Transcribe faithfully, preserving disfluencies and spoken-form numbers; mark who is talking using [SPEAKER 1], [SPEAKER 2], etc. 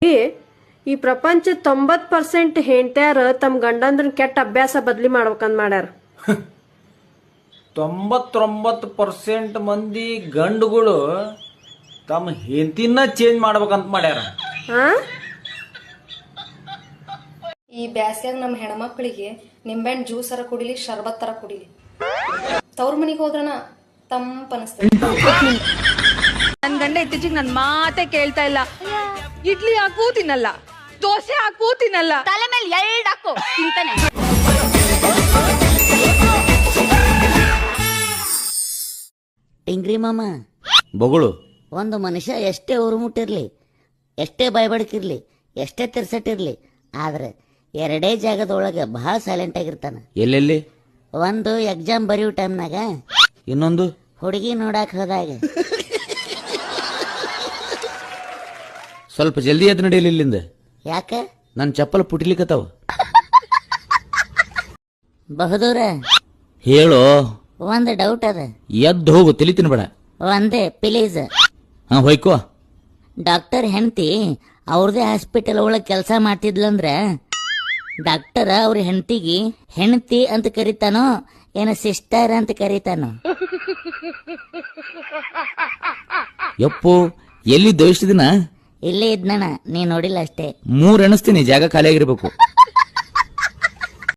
[SPEAKER 1] ಈ ಪ್ರಪಂಚ ತೊಂಬತ್ ಪರ್ಸೆಂಟ್ ಹೆಂಡ್ತ್ಯಾರ ತಮ್ಮ ಗಂಡಂದ್ರನ್ ಕೆಟ್ಟ ಅಭ್ಯಾಸ ಬದ್ಲಿ ಮಾಡ್ಬೇಕಂತ ಮಾಡ್ಯಾರ.
[SPEAKER 2] ತೊಂಬತ್ತೊಂಬತ್ತು ಪರ್ಸೆಂಟ್ ಮಂದಿ ಗಂಡುಗಳು ತಮ್ಮ ಹೆಂಡತಿನ ಚೇಂಜ್ ಮಾಡ್ಬೇಕಂತ ಮಾಡ್ಯಾರ.
[SPEAKER 3] ಈ ಬ್ಯಾಸ್ಯಾಗ ನಮ್ಮ ಹೆಣ್ಮಕ್ಳಿಗೆ ನಿಂಬೆಹಣ್ಣು ಜ್ಯೂಸ್ ಅರ ಕುಡಿಲಿ, ಶರ್ಬತ್ ತರ ಕುಡಿಲಿ. ತವ್ರ ಮನಿಗೆ ಹೋದ್ರನ ತಂಪ ಅನಿಸ್ತದೆ.
[SPEAKER 4] ನನ್ ಗಂಡ ಇತ್ತೀಚಿಗೆ ನನ್ ಮಾತೆ ಕೇಳ್ತಾ ಇಲ್ಲ. ಇಡ್ಲಿ ಹಾಕು ತಿನ್ನಲ್ಲ, ದೋಸೆ ಹಾಕು ತಿನ್ನಲ್ಲ, ತಲೆ ಮೇಲೆ ಎರಡ್ ಹಾಕು ತಿಂತಾನೆ.
[SPEAKER 5] ಟಿಂಗ್ರಿ ಮಾಮ,
[SPEAKER 2] ಬೊಗಳು
[SPEAKER 5] ಒಂದು ಮನುಷ್ಯ ಎಷ್ಟೇ ಉರುಮುಟ್ಟಿರ್ಲಿ, ಎಷ್ಟೇ ಬಾಯ್ಬಡ್ಕಿರ್ಲಿ, ಎಷ್ಟೇ ತಿರ್ಸಟ್ಟಿರ್ಲಿ, ಆದ್ರೆ ಎರಡೇ ಜಾಗದೊಳಗೆ ಬಹಳ ಸೈಲೆಂಟ್ ಆಗಿರ್ತಾನ.
[SPEAKER 2] ಎಲ್ಲೆಲ್ಲಿ?
[SPEAKER 5] ಒಂದು ಎಕ್ಸಾಮ್ ಬರೆಯೋ ಟೈಮ್ನಾಗ,
[SPEAKER 2] ಇನ್ನೊಂದು
[SPEAKER 5] ಹುಡುಗಿ ನೋಡಕ್ ಹೋದಾಗ.
[SPEAKER 2] ಸ್ವಲ್ಪ ಜಲ್ದಿ ಎದ್ದು ನಡೆಯಲಿ ಇಲ್ಲಿಂದ.
[SPEAKER 5] ಯಾಕ?
[SPEAKER 2] ನನ್ ಚಪ್ಪಲ್ ಪುಟಿಲಿಕತ್ತಾವ.
[SPEAKER 5] ಬಹುದೂರ
[SPEAKER 2] ಹೇಳೋ.
[SPEAKER 5] ಒಂದು ಡೌಟ್ ಅದ.
[SPEAKER 2] ಎದ್ದು ಹೋಗು, ತಲಿ ತಿನ್ಬೇಡ.
[SPEAKER 5] ಒಂದೇ ಪ್ಲೀಸ್.
[SPEAKER 2] ಹಾ ಹೋಯ್ಕೋ.
[SPEAKER 5] ಡಾಕ್ಟರ್ ಹೆಂಡತಿ ಅವ್ರದೇ ಹಾಸ್ಪಿಟಲ್ ಒಳಗೆ ಕೆಲಸ ಮಾಡ್ತಿದ್ಲಂದ್ರ ಡಾಕ್ಟರ್ ಅವ್ರ ಹೆಂಡತಿಗೆ ಹೆಂಡತಿ ಅಂತ ಕರಿತಾನೋ ಏನ ಸಿಸ್ಟರ್ ಅಂತ ಕರಿತಾನೋ?
[SPEAKER 2] ಯಪ್ಪು, ಎಲ್ಲಿ ದೋಷ ದಿನ?
[SPEAKER 5] ಇಲ್ಲೇ ಇದ್ನಣ, ನೀ ನೋಡಿಲ್ಲ ಅಷ್ಟೇ.
[SPEAKER 2] ಮೂರ್ ಎಣಿಸ್ತೀನಿ, ಜಾಗ ಖಾಲಿ ಆಗಿರ್ಬೇಕು.